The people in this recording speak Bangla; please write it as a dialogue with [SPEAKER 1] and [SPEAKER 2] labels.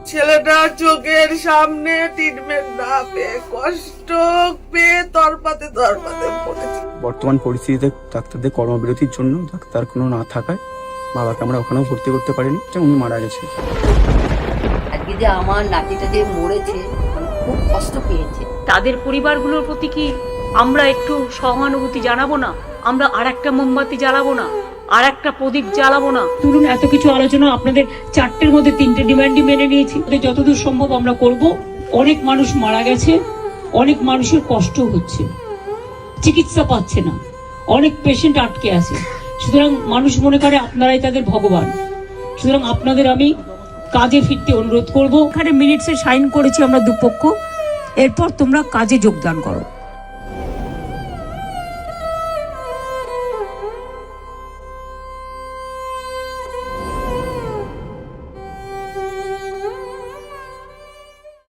[SPEAKER 1] ছেলেটা চোখের সামনে ট্রিটমেন্ট না পেয়ে কষ্ট পেয়ে তরপাতে পড়েছে।
[SPEAKER 2] বর্তমান পরিস্থিতিতে ডাক্তারদের কর্মবিরতির জন্য ডাক্তার কোনো না থাকায় বাবাকে আমরা ওখানেও ভর্তি করতে পারিনি, উনি মারা গেছে।
[SPEAKER 3] আজকে যে আমার নাতিটা যে মরেছে খুব কষ্ট পেয়েছে।
[SPEAKER 4] তাদের পরিবারগুলোর প্রতি কি আমরা একটু সহানুভূতি জানাবো না? আমরা আর একটা মোমবাতি জ্বালাবো না? আর একটা প্রদীপ জ্বালাবো না? তুলুন, এত কিছু আলোচনা, আপনাদের 4টের মধ্যে 3টে ডিমান্ডই মেনে নিয়েছি। যতদূর সম্ভব আমরা করব। অনেক মানুষ মারা গেছে, অনেক মানুষের কষ্ট হচ্ছে, চিকিৎসা পাচ্ছে না, অনেক পেশেন্ট আটকে আছে। সুতরাং মানুষ মনে করে আপনারাই তাদের ভগবান। সুতরাং আপনাদের আমি কাজে ফিরতে অনুরোধ করব। এখানে মিনিটসে সাইন করেছি আমরা দুপক্ষ, এরপর তোমরা কাজে যোগদান করো।